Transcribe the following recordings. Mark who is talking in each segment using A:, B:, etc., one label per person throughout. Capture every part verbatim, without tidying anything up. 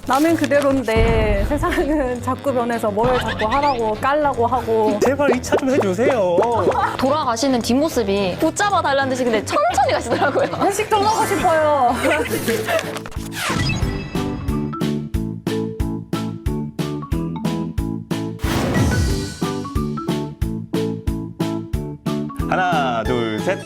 A: 나는 그대로인데 세상은 자꾸 변해서 뭘 자꾸 하라고 깔라고 하고.
B: 제발 이 차 좀 해주세요.
C: 돌아가시는 뒷모습이 붙잡아 달라는 듯이 근데 천천히 가시더라고요.
A: 회식 좀 하고 싶어요.
D: 하나, 둘, 셋.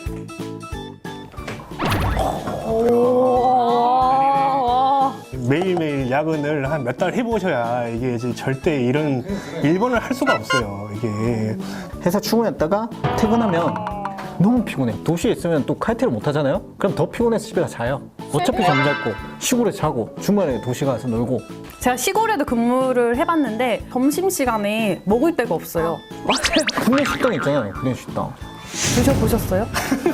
B: 매일매일 야근을 한 몇 달 해보셔야 이게 이제 절대 이런 일본을 할 수가 없어요. 이게.
E: 회사 출근했다가 퇴근하면 너무 피곤해. 도시에 있으면 또 칼퇴를 못 하잖아요? 그럼 더 피곤해서 집에 가 자요. 어차피 잠잘 거. 시골에 자고 중간에 도시 가서 놀고.
A: 제가 시골에도 근무를 해봤는데 점심시간에 먹을 데가 없어요. 맞아요.
E: 군내 식당 있잖아요. 군내 식당.
A: 드셔보셨어요?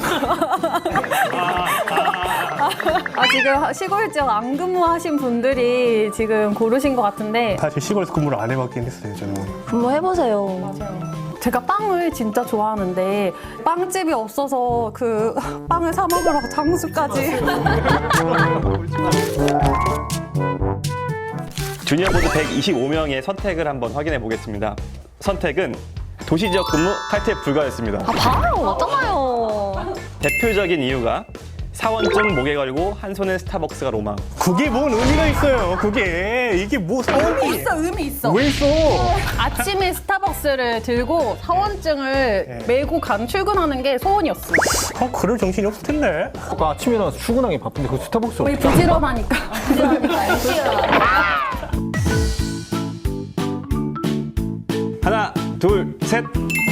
A: 아, 지금 시골 지역 안 근무하신 분들이 지금 고르신 것 같은데
B: 사실 시골에서 근무를 안 해봤긴 했어요, 저는.
C: 한번 해보세요.
A: 제가 빵을 진짜 좋아하는데 빵집이 없어서 그 빵을 사 먹으러 장수까지.
D: 주니어 보드 백이십오 명의 선택을 한번 확인해 보겠습니다. 선택은 도시지역 근무 탈퇴 불가였습니다.
C: 아, 바로 맞잖아요.
D: 대표적인 이유가 사원증 목에 걸고 한 손에 스타벅스가 로망.
B: 그게 뭔 의미가 있어요, 그게. 이게 뭐 사원이.
A: 있어, 의미 있어.
B: 왜 있어?
A: 아침에 스타벅스를 들고 사원증을 메고 간 출근하는 게 소원이었어.
B: 아, 그럴 정신이 없을 텐데.
E: 그 아침에 일어나서 출근하기 바쁜데 그 스타벅스
A: 거의
E: 없죠?
A: 부지런하니까.
D: 하나, 둘, 셋.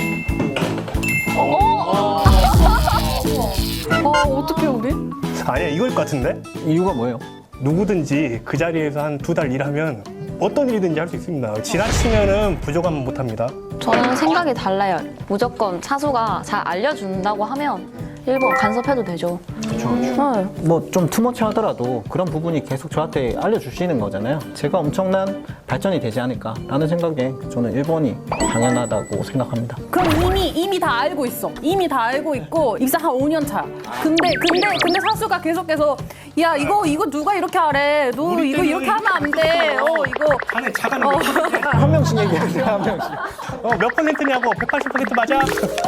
A: 어, 어떡해, 우리?
B: 아니야, 이걸 것 같은데?
E: 이유가 뭐예요?
B: 누구든지 그 자리에서 한 두 달 일하면 어떤 일이든지 할 수 있습니다. 지나치면은 부족하면 못합니다.
C: 저는 생각이 달라요. 무조건 차수가 잘 알려준다고 하면 일본 간섭해도 되죠.
E: 그렇죠.
C: 네.
E: 뭐 좀 투머치 하더라도 그런 부분이 계속 저한테 알려주시는 거잖아요. 제가 엄청난 발전이 되지 않을까라는 생각에 저는 일본이 당연하다고 생각합니다.
A: 그럼 이미, 이미 다 알고 있어. 이미 다 알고 있고, 입사 한 오 년 차. 근데, 근데, 근데 사수가 계속해서, 야, 이거, 이거 누가 이렇게 하래. 너
B: 우리
A: 이거
B: 때는
A: 이렇게 하면 안 돼. 어, 이거.
B: 안에 자가는
A: 어.
B: 몇 퍼센트?
E: 한 명씩 얘기하세요, 한 명씩.
B: 어, 몇 퍼센트냐고? 백팔십 퍼센트 맞아?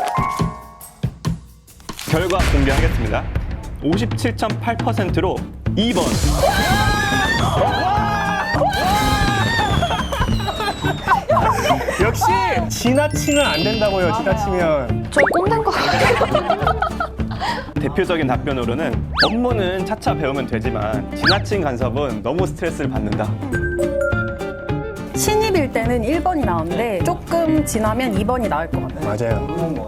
D: 결과 공개하겠습니다. 오십칠 점 팔 퍼센트로 이 번.
B: 역시 지나치면 안 된다고요, 지나치면.
C: 저 꼰대인 것 같아요.
D: 대표적인 답변으로는 업무는 차차 배우면 되지만 지나친 간섭은 너무 스트레스를 받는다.
A: 신입일 때는 일 번이 나오는데, 조금 지나면 이 번이 나올 것 같아요.
B: 맞아요.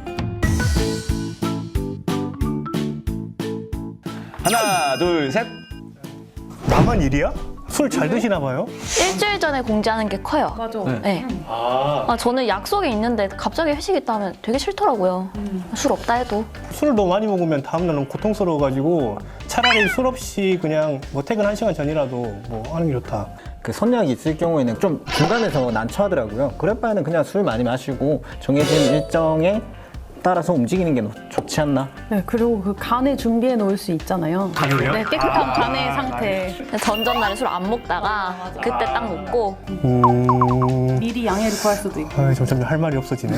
D: 하나, 둘, 셋.
B: 나만 일이야? 술 잘 드시나 봐요?
C: 일주일 전에 공지하는 게 커요.
A: 맞아.
C: 네. 아, 저는 약속이 있는데 갑자기 회식 있다 하면 되게 싫더라고요. 술 없다 해도.
B: 술을 너무 많이 먹으면 다음날은 고통스러워가지고 차라리 술 없이 그냥 뭐 퇴근 한 시간 전이라도 뭐 하는 게 좋다.
E: 그 선약이 있을 경우에는 좀 중간에서 난처하더라고요. 그럴 바에는 그냥 술 많이 마시고 정해진 일정에 따라서 움직이는 게 좋지 않나?
A: 네, 그리고 그 간에 준비해 놓을 수 있잖아요.
B: 간을요?
A: 네, 깨끗한 간의 상태.
C: 전전날에 술 안 먹다가 그때 딱 먹고
B: 음...
A: 미리 양해를 구할 수도 있고.
B: 아, 점점 할 말이 없어지네.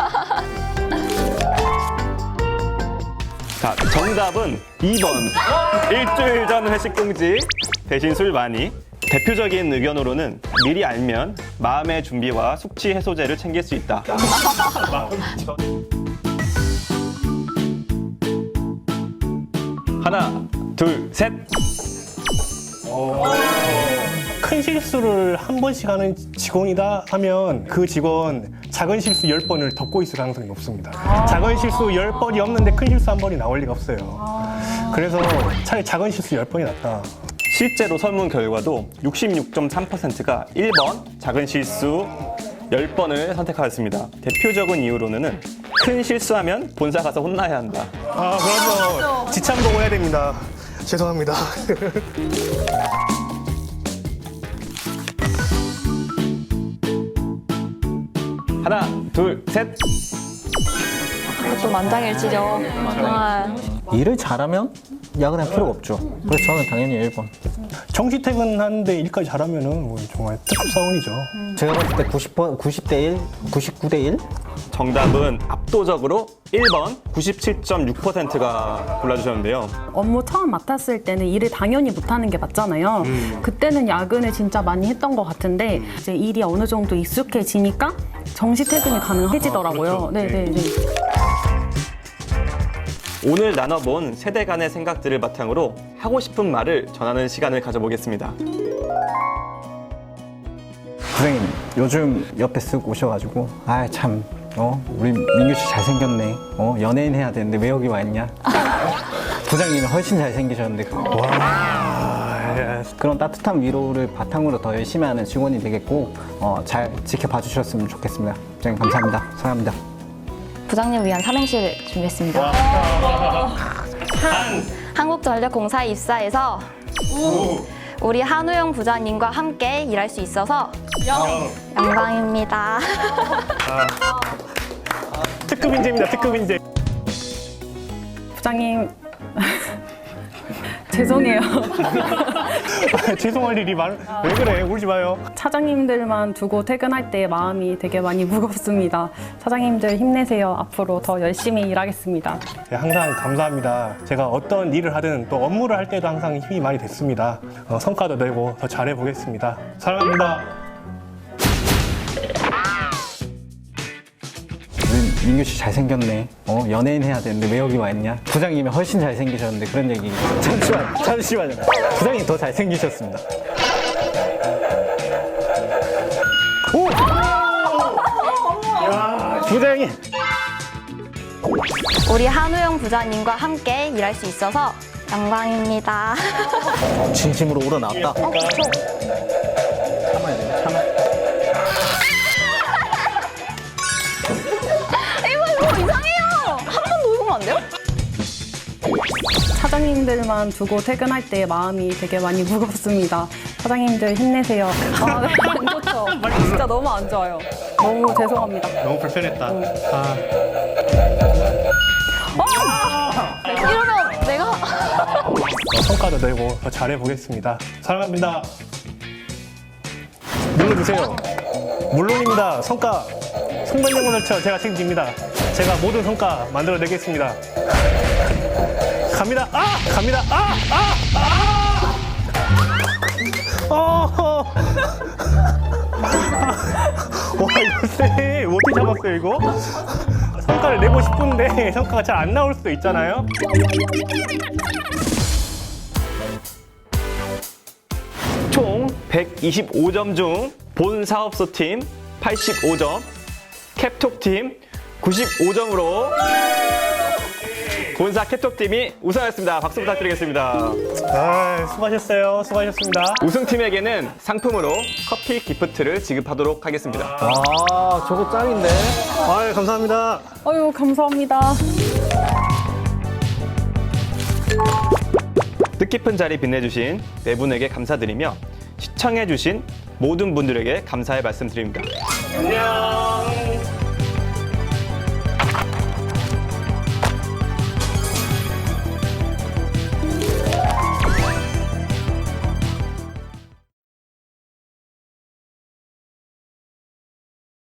D: 자, 정답은 이 번. 일주일 전 회식 공지 대신 술 많이. 대표적인 의견으로는 미리 알면 마음의 준비와 숙취 해소제를 챙길 수 있다. 하나, 둘, 셋.
B: 큰 실수를 한 번씩 하는 직원이다 하면 그 직원 작은 실수 열 번을 덮고 있을 가능성이 높습니다. 작은 실수 열 번이 없는데 큰 실수 한 번이 나올 리가 없어요. 그래서 차라리 작은 실수 열 번이 낫다.
D: 실제로 설문 결과도 육십육 점 삼 퍼센트가 일 번 작은 실수 열 번을 선택하였습니다. 대표적인 이유로는 큰 실수하면 본사 가서 혼나야 한다.
B: 아, 그럼요. 지참 보고 해야 됩니다. 죄송합니다.
D: 하나, 둘, 셋.
C: 또 만장일치죠. 아,
E: 일을 잘하면 야근할 필요가 없죠. 그래서 저는 당연히 일 번.
B: 정시 퇴근하는데 일까지 잘하면은 뭐 정말 특급 사원이죠.
E: 제가 봤을 때 구십 번, 구십 대 일, 구십구 대 일?
D: 정답은 압도적으로 일 번 구십칠 점 육 퍼센트가 골라주셨는데요.
A: 업무 처음 맡았을 때는 일을 당연히 못하는 게 맞잖아요. 그때는 야근을 진짜 많이 했던 것 같은데 이제 일이 어느 정도 익숙해지니까 정시 퇴근이 가능해지더라고요. 네, 네, 네.
D: 오늘 나눠본 세대 간의 생각들을 바탕으로 하고 싶은 말을 전하는 시간을 가져보겠습니다.
E: 부장님, 요즘 옆에 쓱 오셔가지고, 아, 참, 어, 우리 민규 씨 잘생겼네. 어, 연예인 해야 되는데 왜 여기 와 있냐? 부장님이 훨씬 잘생기셨는데.
B: 와,
E: 그런 따뜻한 위로를 바탕으로 더 열심히 하는 직원이 되겠고, 어, 잘 지켜봐 주셨으면 좋겠습니다. 부장님, 감사합니다. 사랑합니다.
C: 부장님 위한 삼행시를 준비했습니다. 한국전력공사에 입사해서 우리 한우영 부장님과 함께 일할 수 있어서 영광입니다.
B: 특급 인재입니다. 특급 인재.
A: 부장님 죄송해요.
B: 아, 죄송할 일이 많. 왜 그래? 울지 마요.
A: 차장님들만 두고 퇴근할 때 마음이 되게 많이 무겁습니다. 차장님들 힘내세요. 앞으로 더 열심히 일하겠습니다.
B: 네, 항상 감사합니다. 제가 어떤 일을 하든 또 업무를 할 때도 항상 힘이 많이 됐습니다. 어, 성과도 내고 더 잘해 보겠습니다. 사랑합니다.
E: 우리 민규 씨 잘생겼네. 어, 연예인 해야 되는데 왜 여기 와 있냐? 부장님이 훨씬 잘생기셨는데 그런 얘기. 잠시만, 잠시만요. 부장님 더 잘생기셨습니다.
B: 오! 야, 부장님.
C: 우리 한우영 부장님과 함께 일할 수 있어서 영광입니다.
E: 진심으로 우러나왔다. 참아야 돼요, 참아.
C: 이거 이상해요. 한 번 더 읽으면 안 돼요?
A: 차장님들만 두고 퇴근할 때 마음이 되게 많이 무겁습니다. 차장님들 힘내세요. 아, 네, 안 좋죠. 진짜 너무 안 좋아요. 너무 죄송합니다.
B: 너무 불편했다. 아,
C: 이러면 내가
B: 어, 성과도 내고 더 잘해 보겠습니다. 사랑합니다. 눌러주세요. 물론입니다. 성과 송변영문을쳐 제가 책임집니다. 제가 모든 성과 만들어내겠습니다. 갑니다. 아! 갑니다. 아! 아! 아! 어! 와, 이거 쎄. 어떻게 잡았어요, 이거? 성과를 내고 싶은데 성과가 잘 안 나올 수도 있잖아요.
D: 총 백이십오 점 중 본 사업소 팀 팔십오 점, 캡톡 팀 구십오 점으로 본사 캡톡 팀이 우승하였습니다. 박수 부탁드리겠습니다.
B: 아, 수고하셨어요. 수고하셨습니다.
D: 우승팀에게는 상품으로 커피 기프트를 지급하도록 하겠습니다.
E: 아, 저거 짱인데?
B: 아, 감사합니다.
A: 아유, 감사합니다.
D: 뜻깊은 자리 빛내주신 네 분에게 감사드리며 시청해주신 모든 분들에게 감사의 말씀드립니다.
B: 안녕.